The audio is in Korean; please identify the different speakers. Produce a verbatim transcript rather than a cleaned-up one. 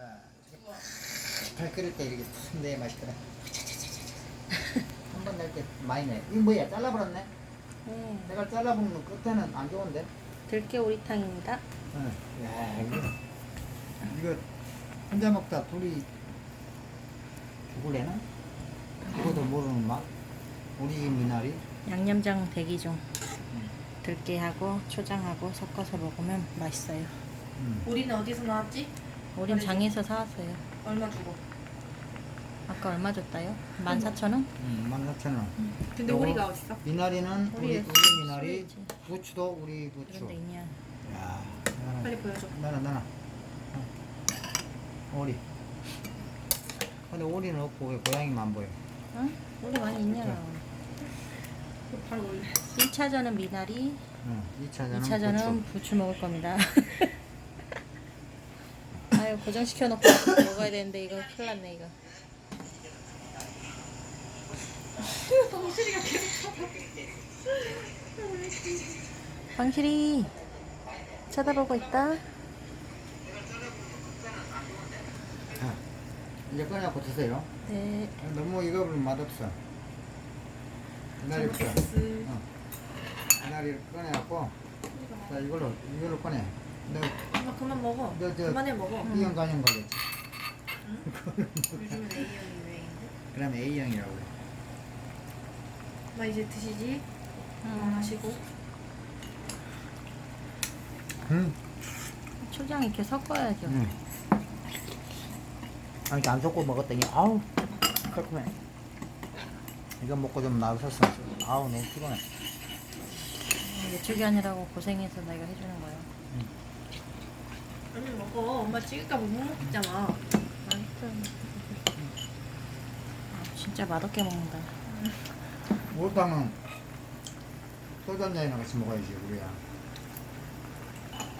Speaker 1: 잘 끓일 때 이렇게 탁 내야 맛있거든. 한 번 낼 때 많이 내. 이거 뭐야? 잘라버렸네?
Speaker 2: 네.
Speaker 1: 내가 잘라보면 끝에는 안 좋은데?
Speaker 2: 들깨 오리탕입니다.
Speaker 1: 응. 야, 이거, 이거 혼자 먹다 둘이 죽을래나? 그것도 모르는 맛? 우리 집 미나리?
Speaker 2: 양념장 대기 중. 들깨하고 초장하고 섞어서 먹으면 맛있어요.
Speaker 1: 응.
Speaker 3: 우리는 어디서 나왔지?
Speaker 2: 우린 장에서 사왔어요.
Speaker 3: 얼마 주고?
Speaker 2: 아까 얼마 줬다요? 만 사천 원?
Speaker 1: 응, 만 사천 원.
Speaker 3: 근데
Speaker 1: 요거
Speaker 3: 우리가 어딨어?
Speaker 1: 미나리는 우리,
Speaker 2: 우리
Speaker 1: 우리 미나리,
Speaker 2: 있지.
Speaker 1: 부추도 우리 부추.
Speaker 2: 그런 데 있냐?
Speaker 1: 야,
Speaker 3: 빨리 보여줘.
Speaker 1: 나나 나나. 어. 오리. 근데 오리는 없고 왜 고양이만 보여?
Speaker 2: 응? 우리 많이 있냐?
Speaker 3: 이거 바로 올려.
Speaker 2: 일 차전은 미나리,
Speaker 1: 응. 이 차전은,
Speaker 2: 이 차전은
Speaker 1: 부추.
Speaker 2: 부추 먹을 겁니다. 아유 고정시켜 놓고 먹어야 되는데 이거 큰일 났네 이거.
Speaker 3: 동실이가 계속
Speaker 2: 방실이 쳐다보고 있다.
Speaker 1: 자, 이제 꺼내갖고 드세요.
Speaker 2: 네.
Speaker 1: 너무 익어버리면 맛없어. 미나리부터.
Speaker 3: 잘못했어.
Speaker 1: 어. 미나리를 꺼내갖고, 자, 이걸로, 이걸로 꺼내. 너,
Speaker 3: 엄마 그만 먹어.
Speaker 1: 너, 저,
Speaker 3: 그만해 먹어.
Speaker 1: B형 간염 걸렸지.
Speaker 3: 요즘은 A형이 유행인데.
Speaker 1: 그러면 A형이라고 그래.
Speaker 3: 엄마 이제 드시지?
Speaker 2: 음.
Speaker 3: 마시고.
Speaker 1: 응.
Speaker 2: 초장 이렇게 섞어야죠.
Speaker 1: 응. 아, 이렇게 안 섞고 먹었더니, 아우, 깔끔해. 이거 먹고 좀 나섰어. 아우, 너무 피곤해.
Speaker 2: 외축이 아니라고 고생해서 내가 해주는 거야.
Speaker 3: 얼른 먹어. 엄마 찍을까 못 먹겠잖아.
Speaker 2: 맛있어. 아, 진짜 맛없게 먹는다.
Speaker 1: 목욕탕은 소주 한 잔이랑 같이 먹어야지, 우리야.